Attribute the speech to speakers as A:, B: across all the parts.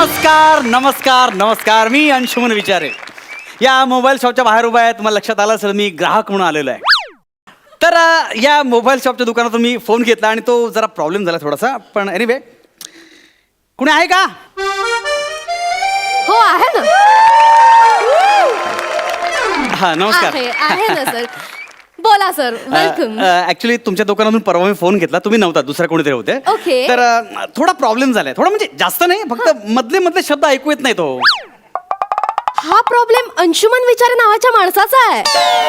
A: नमस्कार नमस्कार नमस्कार. मी अंशुमन विचारे या मोबाईल शॉपच्या बाहेर उभा आहे. तुम्हाला लक्षात आलं असेल मी ग्राहक म्हणून आलेलो आहे. तर या मोबाईल शॉपच्या दुकानातून मी फोन घेतला आणि तो जरा प्रॉब्लेम झाला थोडासा. पण एनिवे कुणी आहे का?
B: हो आहे ना.
A: हा नमस्कार.
B: आहे ना सर. बोला सर. वेलकम.
A: ऍक्च्युली तुमच्या दुकानातून परवा मी फोन घेतला. तुम्ही नव्हता, दुसरा कोणीतरी होते.
B: Okay.
A: तर थोडा प्रॉब्लेम झालाय. थोडा म्हणजे जास्त नाही, फक्त मधले मधले शब्द ऐकू येत नाही. तो
B: हा प्रॉब्लेम अंशुमन विचारे नावाच्या माणसाचा आहे.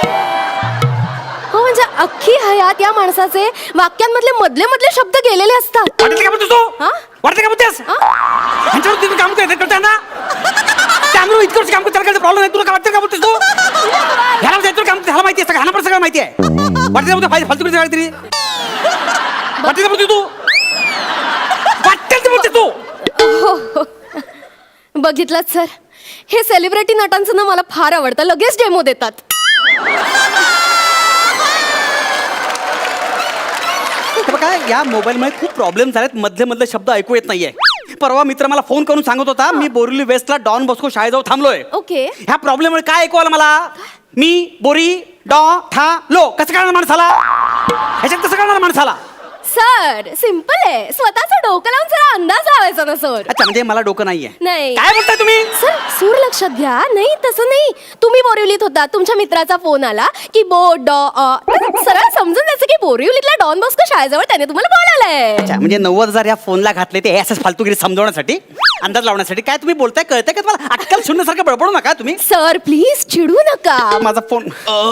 B: हो म्हणजे अख्खी हयात या माणसाचे वाक्यांमधले मधले मधले शब्द गेलेले असतात.
A: वाटते का बोलतोस तू?
B: हा?
A: वाटते का बोलतेस? ह्यांच्यावर तुम्ही काम करते ना? त्यामुळे इतकं वर्ष काम करते, त्याला प्रॉब्लेम नाही. तुला काय वाटतं का बोलतेस तू? ह्याला जायचं काम ह्याला माहिती आहे, सगळं ह्याला पण सगळं माहिती आहे. वाटते का बोलते फालतू करते काहीतरी? वाटते का बोलते तू? वाटते ते बोलते तू?
B: बघितलं सर, हे सेलिब्रिटी नटांचं ना मला फार आवडतं. लगेच डेमो देतात.
A: बघा या मोबाईलमध्ये खूप प्रॉब्लेम झालेत. मधले मधले शब्द ऐकू येत नाहीये. परवा मित्र मला फोन करून सांगत होता मी बोरिवली वेस्टला डॉन बॉस्को शाळेजवळ थांबलोय.
B: ओके.
A: ह्या प्रॉब्लेममुळे काय ऐकू आलं मला? मी बोरी डॉ था लो कसं कळणार माणसाला? ह्याच्यात कसं कळणार माणसाला?
B: सर सिंपल आहे. स्वतःचं डोकं लावून जरा अंदाज लावायचा ना सर.
A: अच्छा म्हणजे मला डोकं नाहीये.
B: नाही.
A: काय बोलताय तुम्ही?
B: सर सूर लक्षात घ्या. नाही तसं नाही. तुम्ही बोरिवलीत होता, तुमच्या मित्राचा फोन आला की सरळ समजून जायचं की बोरिवलीतल्या डॉन बॉस्को शाळेजवळ त्याने तुम्हाला बोलावलंय.
A: अच्छा म्हणजे 90,000 या फोनला घातले ते असंच फालतूगिरी समजवण्यासाठी, अंदाज लावण्यासाठी. काय तुम्ही बोलताय कळतंय का तुम्हाला? अक्कल शून्यसारखं बडबडू नका तुम्ही.
B: सर प्लीज चिडू नका.
A: माझा फोन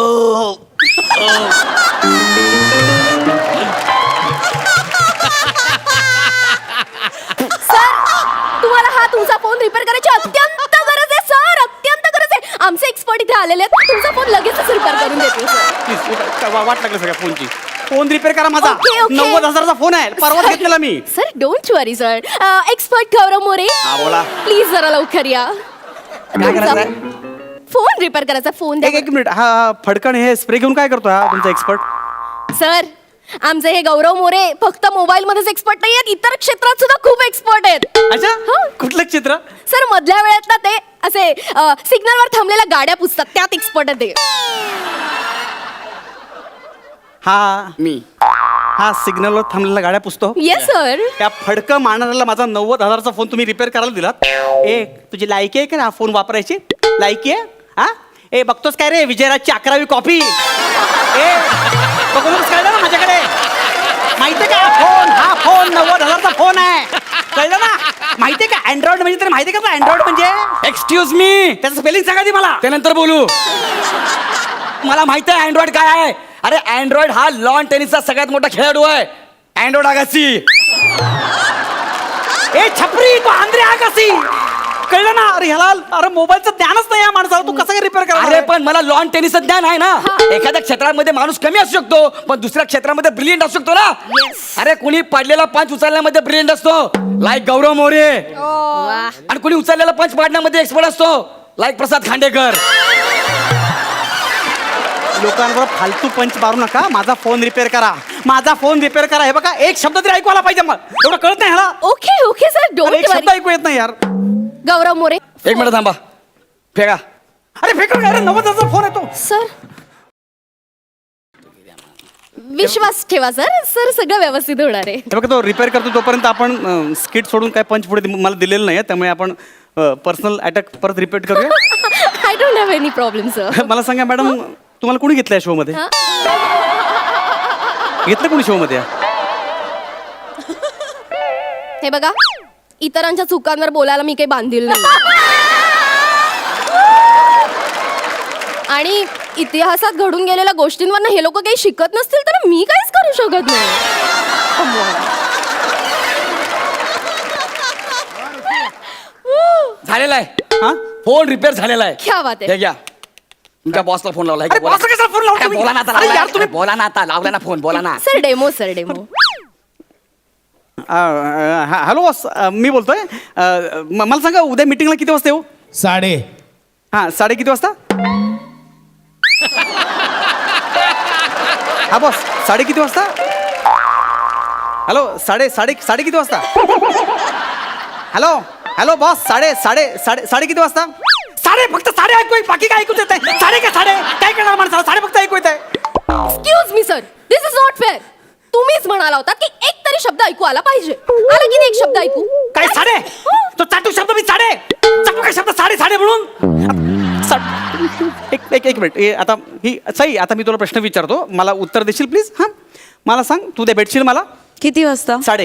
B: सर तुम्हाला हा तुमचा फोन रिपेअर करायची अत्यंत गरज आहे सर. अत्यंत गरज आहे. आमचे एक्सपर्ट इथे आलेले आहेत. तुमचा फोन लगेचच रिपेअर करून देतील सर.
A: प्लीज वाट लागलं सगळ्या फोनची. फोन रिपेअर करा माझा.
B: Okay, okay.
A: 90,000चा फोन आहे, परवा घेतलेला मी.
B: Sir don't worry sir. Expert Gaurav More
A: हा बोला.
B: प्लीज जरा लवकर या.
A: काय करायचंय?
B: फोन रिपेअर करायचा. फोन
A: एक मिनिट. हा फडकण हे स्प्रे घेऊन काय करतो हा तुमचा एक्सपर्ट?
B: सर आमचे हे गौरव मोरे फक्त मोबाईल मध्येच एक्सपर्ट नाही आहेत, इतर क्षेत्रात सुद्धा खूप एक्सपर्ट आहेत.
A: अच्छा
B: हो.
A: कुठलं चित्र?
B: सर मधल्या वेळेत ना ते असे सिग्नलवर थांबलेल्या गाड्या पुसतात, त्यात एक्सपर्ट आहे ते.
A: हा मी हा सिग्नलवर थांबलेल्या गाड्या पुसतो.
B: Yes sir.
A: त्या फडकं मारणाऱ्याला माझा 90,000चा फोन तुम्ही रिपेअर करायला दिलात. ए तुझी लायकी आहे का हा फोन वापरायची? लायकी आहे? हा ए बघतोस काय रे विजयराजची 11वी कॉपी? ए बघूनच कळलं ना माझ्याकडे. माहितीये का हा फोन 90,000चा फोन आहे. कळलं ना? माहितीये का अँड्रॉइड म्हणजे? तर माहितीये का अँड्रॉइड म्हणजे?
C: एक्सक्यूज मी,
A: त्याचं स्पेलिंग सांगा ती मला.
C: त्यानंतर बोलू. मला माहित आहे अँड्रॉइड काय आहे. अरे अँड्रॉइड हा लॉन टेनिसचा सगळ्यात मोठा खेळाडू आहे. अँड्रॉइड आगासी.
A: ए छपरी तू आंध्रे आगासी. कळलं ना? अरे ह्याला अरे मोबाईलचं ज्ञानच नाही या माणसाला. तू कसं काय रिपेअर करा?
C: अरे पण मला लॉन टेनिसचं ज्ञान आहे ना. एखाद्या क्षेत्रामध्ये माणूस कमी असू शकतो पण दुसऱ्या क्षेत्रामध्ये ब्रिलियंट असू शकतो ना. अरे कुणी पडलेला पंच उचलण्यामध्ये ब्रिलियंट असतो लाईक गौरव मोरे. आणि कुणी उचललेला पंच पाडण्यामध्ये एक्सपर्ट असतो लाईक प्रसाद खांडेकर.
A: लोकांवर फालतू पंच मारू नका. माझा फोन रिपेअर करा. माझा फोन रिपेअर करा. हे बघा एक शब्द तरी ऐकू आला पाहिजे. मग एवढं कळत नाही ह्याला.
B: ओके ओके सर
A: अरे,
B: डोंट
A: एक शब्द
B: वरी.
A: ऐकू येत नाही यार.
B: गौरव मोरे
C: एक मिनिट थांबा. फेका.
A: अरे फेकू नका. अरे 90,000चा फोन येतो.
B: सर विश्वास ठेवा सर. सर सगळं व्यवस्थित होणार आहे.
A: हे बघा तो रिपेअर करतो तोपर्यंत आपण स्किट सोडून काय पंच पुढे मला दिलेलं नाही. त्यामुळे आपण पर्सनल अटॅक परत रिपीट करूया.
B: I don't have any problem sir.
A: मला सांगा मॅडम तुम्हाला कोणी घेतलंय शो मध्ये? घेतलं कोणी शो मध्ये?
B: हे बघा इतरांच्या चुकांवर बोलायला मी काही बांधील नाही. आणि इतिहासात घडून गेलेल्या गोष्टींवर हे लोक काही शिकत नसतील तर मी काहीच करू शकत नाही.
C: झालेला आहे.
A: हा
C: फोन रिपेअर झालेला आहे.
B: क्या बात
C: हे
B: आहे.
C: घ्या. तुमच्या बॉसला फोन लावला.
A: अरे boss ला कशाला phone लावला तुम्ही?
C: बोला ना आता.
A: अरे यार, तुम्ही-
C: बोला ना आता. लावला ना फोन. बोला ना.
B: सर डेमो
A: हॅलो बॉस मी बोलतोय. मला सांगा उद्या मीटिंगला किती वाजता येऊ?
D: 3:30.
A: हां 3:30 किती वाजता? हा बॉस 3:30 किती वाजता? हॅलो साडे किती वाजता? हॅलो हॅलो बॉस साडे किती वाजता साडे फक्त साडे ऐकू बाकी काय ऐकूच येत आहे साडे काय करणार माणसाला साडे फक्त ऐकू येत आहे
B: excuse me sir this is not fair. तुम्हीच म्हणाला होता की एक तरी शब्द ऐकू आला पाहिजे. आला की नाही एक शब्द ऐकू?
A: काय साडे तो चाटू शब्द मी साडे चाटू काय शब्द साडे म्हणून एक मिनिट आता ही सई आता मी तुला प्रश्न विचारतो मला उत्तर देशील प्लीज हां मला सांग तू ते भेटशील मला
D: किती वाजता?
A: साडे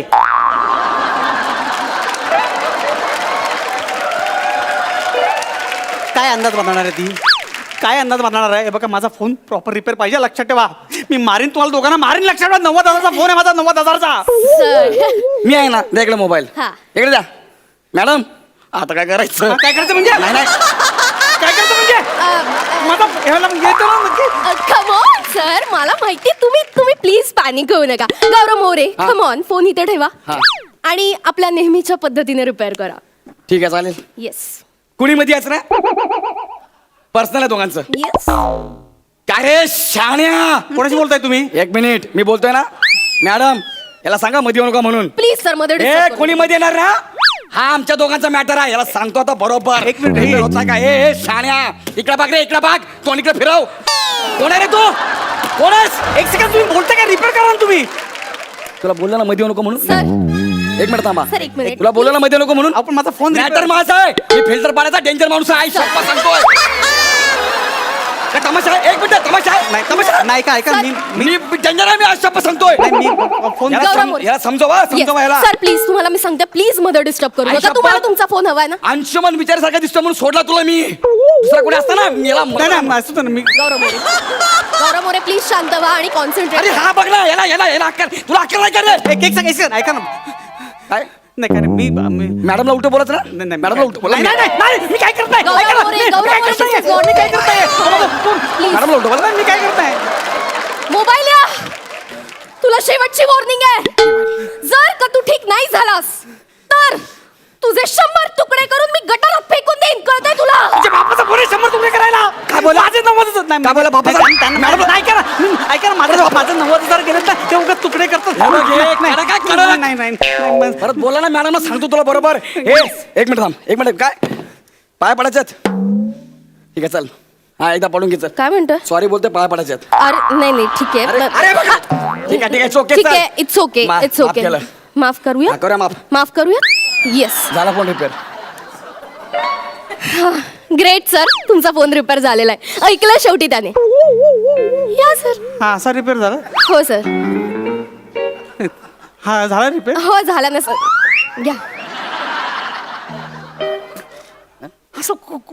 A: काय अंदाज बांधणार आहे ती काय अंदाज बांधणार आहे हे बघा माझा फोन प्रॉपर रिपेअर पाहिजे लक्षात ठेवा मी मारीन तुम्हाला दोघांना मारीन लक्षात ठेवा 90,000चा फोन आहे माझा 90,000चा
B: सर
C: मी आहे ना द्या इकडे मोबाईल
B: हा.
C: इकडे द्या मॅडम आता काय करायचं
A: काय करायचं म्हणजे
C: नाही नाही
A: काय करायचं म्हणजे माझा ह्याला येतो ना नक्की
B: कम ऑन सर मला माहिती तुम्ही प्लीज पॅनिक होऊ नका. गौरव मोरे
C: हा.
B: कम ऑन फोन इथे ठेवा
C: हा.
B: आणि आपल्या नेहमीच्या पद्धतीने रिपेअर करा.
C: ठीक आहे चालेल
B: येस
C: कुणी मध्ये यायचं ना पर्सनल आहे दोघांचं
B: येस
C: काय रे शाण्या
A: कोणाशी बोलताय तुम्ही
C: एक मिनिट मी बोलतोय ना मॅडम याला सांगा मध्ये येऊ नका म्हणून
B: प्लीज सर मध्ये
C: ए
B: disturb करू
C: कोणी मध्ये येणार ना हा आमच्या दोघांचा मॅटर आहे याला सांगतो आता बरोबर
A: एक मिनिट,
C: हे होत नाही का ए शाण्या इकडे बघ रे इकडे बघ तो इकडे फिरव कोण आहे रे तू कोण आहेस
A: एक सेकंड तुम्ही बोलताय काय रिपेअर करा ना तुम्ही
C: तुला बोलला ना मध्ये येऊ नको म्हणून
B: सर
C: एक मिनिट थांबा
B: सर, एक मिनिट.
C: तुला बोलला ना मध्ये येऊ नको म्हणून
A: आपण माझा फोन
C: मॅटर माझा आहे मी फिल्टर पाण्याचा डेंजर माणूस आहे शप्पा सांगतोय काय तमाशा आहे एक मिनिट तमाशा आहे
A: नाही तमाशा नाही का ऐका मी
C: मी डेंजर आहे मी आज शप्पा सांगतोय
A: नाही मी फोन
C: याला
B: गौरव मोरे.
C: याला समजवा याला
B: सर प्लीज तुम्हाला मी सांगते प्लीज मध्ये डिस्टर्ब करू
C: आई
B: नका.
C: शपथ.
B: तुम्हाला तुमचा फोन हवाय ना?
C: अंशुमन विचारासारखा दिसतो म्हणून सोडला तुला मी दुसरा कोणी असता ना मी याला
A: नाही नाही असं तर मी
B: गौरव मोरे प्लीज शांत व्हा आणि
C: अरे
B: कॉन्सन्ट्रेट.
C: हा बघ ना याला अक्कल तुला अक्कल नाही कर रे
A: एक सेकंड ऐका ना
C: काय
A: नाही काय नाही, मी
C: मॅडमला उलट बोलत ना
A: नाही, नाही,
C: मॅडमला उलट बोला
A: नाही, नाही, नाही, नाही, मी काय करताय
B: गौरव
A: ऐका ना,
B: मोरे,
A: मी
B: गौरव
A: काय
B: मोरे,
A: करताय?
B: she's not-
A: मी काय करताय
B: Please.
C: मॅडमला उलट बोला
A: मी काय करताय
B: मोबाईल या तुला शेवटची वॉर्निंग आहे. जर का तू ठीक नाही झालास तर तुझे 100 तुकडे करून मी गटारात फेकून देईन कळतंय तुला?
A: तुझ्या बापाचा फोन 100 तुकडे करायला
C: काय बोला?
A: माझे 90,000 नाही
C: काय बोला बापाचा?
A: मॅडम ऐका ना ऐका ना माझं 90,000 गेले ना ते उगाच तुकडे करतात
C: हे बघ, हे
A: नाही,
C: कडक आहे, कडक.
A: नाही, नाही, नाही, नाही,
C: परत बोला ना मॅडमला सांगतो तुला बरोबर हे एक मिनिट थांब एक मिनिट काय पाय पडायच्यात ठीक आहे चल हा एकदा पडून घे चल
B: काय म्हणतोय?
C: सॉरी बोलते पाय पडायच्यात
B: अरे नाही नाही ठीक
C: अरे
B: आहे
C: अरे बघा ठीक आहे it's okay,
B: ठीक
C: चल.
B: आहे इट्स ओके
C: माफ-
B: इट्स
C: माफ
B: ओके
C: केलं.
B: माफ करूया
C: हा, करूया माफ.
B: माफ करूया येस
C: झाला फोन रिपेअर
B: ग्रेट सर तुमचा फोन रिपेअर झालेला आहे. ऐकलं शेवटी त्याने. या सर.
A: हा असा रिपेअर झाला
B: हो सर
A: हा झाला रिपेअर
B: हो झाला ना सर घ्या.
A: असं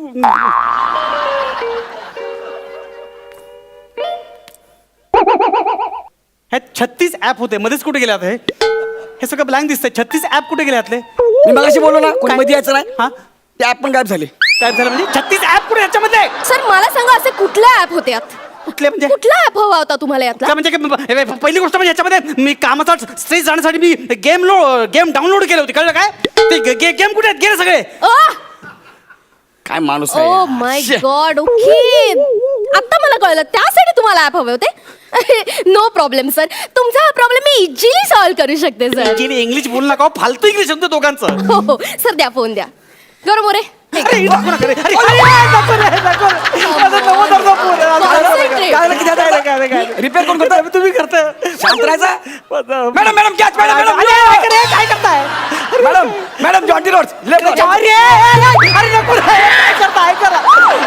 A: हे 36 ऍप होते मध्येच कुठे गेले आता हे सगळं ब्लँक दिसतंय 36 ऍप कुठे गेले आतले
C: मी मगाशी बोललो ना कोणी
A: काय?
C: मध्ये यायचं नाही
A: हा
C: ते ऍप पण गायब झाली
A: काय झालं म्हणजे 36 ऍप कुठे याच्यामध्ये
B: सर मला सांगा असे कुठले ऍप होते यात?
A: कुठले म्हणजे
B: कुठला ऍप हवा होता तुम्हाला यातला?
A: काय म्हणजे हे पहिली गोष्ट म्हणजे याच्यामध्ये मी कामाचा स्ट्रेस जाण्यासाठी मी गेम डाउनलोड केले होते कळलं काय ते गेम कुठे आहेत गेले सगळे
C: काय माणूस
B: ओ माय गॉड ओके आता मला कळलं त्यासाठी तुम्हाला ऍप हवे होते. नो प्रॉब्लेम सर तुमचा हा प्रॉब्लेम मी इझिली सॉल्व्ह करू शकते सर.
A: इंग्लिश बोलू नका हो, फालतू इंग्लिश शब्द दोघांचं
B: हो हो सर द्या फोन द्या. गौरव मोरे
A: अरे, नको नका रे. अरे, नको रे, नको रे. माझा 90,000चा फोन आहे.
B: Concentrate.
C: रिपेअर कोण करतो
A: तुम्ही करताय
C: शांत राहायचा
A: माझा-
C: madam madam catch madam madam
A: अरे, काय करे, काय करताय
C: मॅडम मॅडम जॉन्टी रोड
A: अरे अरे नको रे. काय करताय करा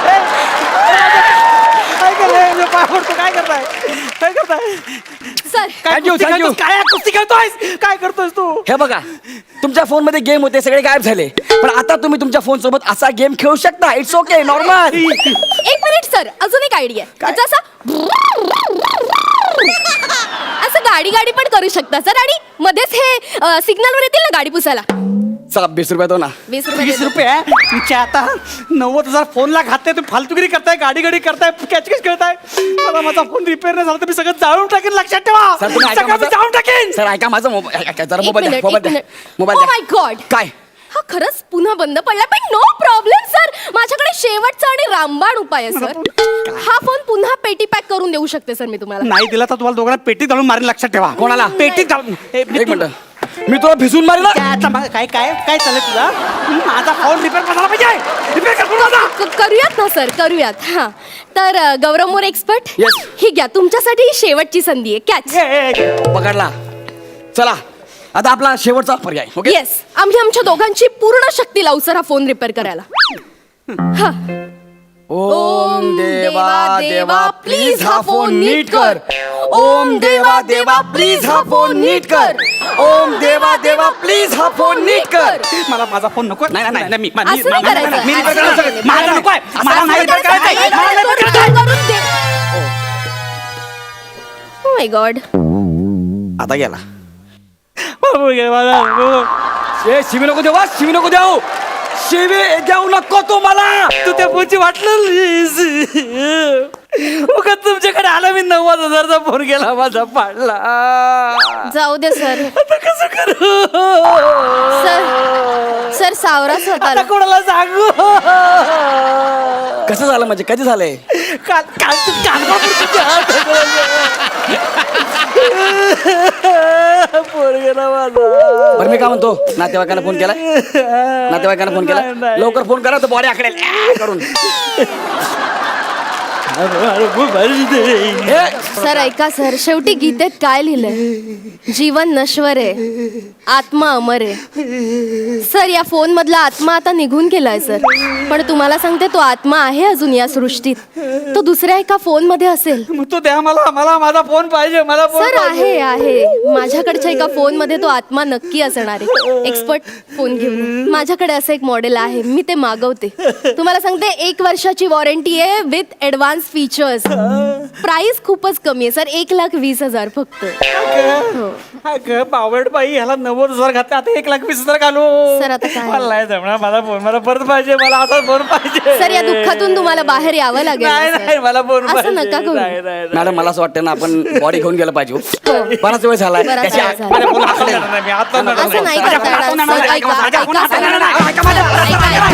A: काय करताय मी पाय पडतो काय करताय काय करताय
B: सर
A: काय
C: Thank you,
A: कुस्ती
C: thank you.
A: खेळतोस? काय कुस्ती खेळतोय काय करतोस तू
C: हे बघा तुमच्या फोन मध्ये गेम होते सगळे गायब झाले पण आता तुम्ही तुमच्या फोन सोबत असा गेम खेळू शकता इट्स ओके नॉर्मल
B: एक मिनिट सर अजून एक आयडिया असं गाडी गाडी पण करू शकता सर आणि मध्येच हे सिग्नलवर येतील ना गाडी पुसायला.
C: चला 20 रुपये दो ना
B: 20 रुपये
A: 20
B: देतो.
A: रुपये तुमच्या आता 90,000 फोनला घातले तुम्ही फालतुगिरी करताय गाडी गाडी करताय कॅच कॅच करताय मला माझा फोन रिपेअर नाही झाला तर मी सगळं जाळून टाकेन लक्षात ठेवा
C: सर तुम्ही ऐका
A: सगळं मी
C: माझं-
A: जाळून टाकेन
C: सर ऐका माझा मोबाईल जरा
B: एक
C: मोबाईल
B: मिनिट,
C: द्या मोबाईल
B: एक
C: द्या
B: मिनिट.
C: मोबाईल
B: Oh
C: द्या
B: my God.
C: काय
B: हा खरंच पुन्हा बंद पडला पण नो प्रॉब्लेम सर माझ्याकडे शेवटचा आणि रामबाण उपाय आहे सर. हा फोन पुन्हा पेटी पॅक करून देऊ शकते सर मी तुम्हाला.
A: नाही दिला तर तुम्हाला दोघांना पेटीत घालून मारेन लक्षात ठेवा
C: कोणाला?
A: पेटीत घालून
C: एक मिनिट मी तुला भिजून मारेल ना.
A: त्याचा काय काय काय चाललंय तुला? माझा फोन रिपेअर करायला पाहिजे. रिपेअर कर फोन माझा.
B: करूयात ना सर, करूयात. हा तर गौरव मोरे एक्सपर्ट,
C: Yes.
B: ही घ्या तुमच्यासाठी ही शेवटची संधी आहे. कॅच.
C: पकडला. चला आता आपला शेवटचा पर्याय. ओके
B: येस, आम्ही आमच्या दोघांची पूर्ण शक्ती लावू सर हा फोन रिपेअर करायला. हा.
C: ओम देवा देवा प्लीज हा फोन नीट कर. ओम देवा देवा प्लीज हा फोन नीट कर. ओम देवा देवा प्लीज हा फोन नीट कर.
A: मला माझा फोन नको. नाही नाही नाही, मी
B: असं नाही करायचं.
A: मी repair
B: असं
A: करायला
B: नाही
A: सांगेन. मला नको आहे. मला नाही repair करायचं आहे. मला नाही repair करायचं आहे.
B: Oh my God.
C: आता गेला.
A: बाबू गे मला नको.
C: ए शिवी नको देऊ, शिवी नको देऊ, शिवी देऊ नको तू मला.
A: तू त्या फोनची वाटलं उगाच तुमच्याकडे आला मी 90,000चा फोन गेला माझा पाडला.
B: जाऊ दे सर.
A: आता कसं करू?
B: सर सावरा
A: आता
B: स्वतःला.
A: कोणाला सांगू?
C: कसं झालं म्हणजे कधी झालंय?
A: काल काल तू कालपासून तुझ्या फोन गेला माझा.
C: बरं मी काय म्हणतो, नातेवाईकांना फोन केलाय? नातेवाईकांना फोन केलाय?
A: नाही.
C: लवकर फोन करा तर बॉडी आकडेल करून. ए,
B: सर ऐका सर, शेवटी गीतेत काय लिहिलंय? जीवन नश्वर आहे, आत्मा अमर आहे. सर या फोन मधला आत्मा आता निघून गेलाय सर, पण तुम्हाला सांगते तो आत्मा आहे अजून या सृष्टीत. तो दुसऱ्या एका फोन मध्ये असेल.
A: मग तो द्या मला मला माझा फोन पाहिजे. मला फोन
B: सर आहे माझ्याकडच्या एका फोन मध्ये तो आत्मा नक्की असणार आहे. एक्सपर्ट फोन घेऊन माझ्याकडे असं एक मॉडेल आहे, मी ते मागवते. तुम्हाला सांगते 1 वर्षाची वॉरंटी आहे विथ ऍडव्हान्स फीचर्स. प्राइस खूपच कमी आहे सर, 1,20,000 फक्त. हो.
A: बावड बाई ह्याला 90,000 घातले, आता 1,20,000 घालू.
B: सर, आता काय?
A: मला नाही जमणार. मला फोन मला परत पाहिजे. मला आता फोन पाहिजे.
B: सर या दुःखातून तुम्हाला बाहेर यावं लागेल
A: नाही
B: ना, सर.
A: नाही मला फोन
B: असं
A: पाहिजे.
B: नका करू.
A: नाही, नाही, नाही.
C: मॅडम मला असं वाटतं ना आपण बॉडी घेऊन गेलं पाहिजे.
B: हो.
C: बराच वेळ झालाय.
B: बराच
C: त्याची
B: वेळ
C: आ-
B: झाला.
A: माझ्या फोन हातात येणार नाही. मी आता
B: असं नाही
A: माझ्या
B: करता
A: फोन
B: येणार.
A: हातात
B: सर,
A: येणार नाही.
B: ऐका,
A: माझ्या फोन
B: ऐका,
A: हातात
B: सर.
A: येणार नाही. ऐका माझं.
B: ऐका, ऐका,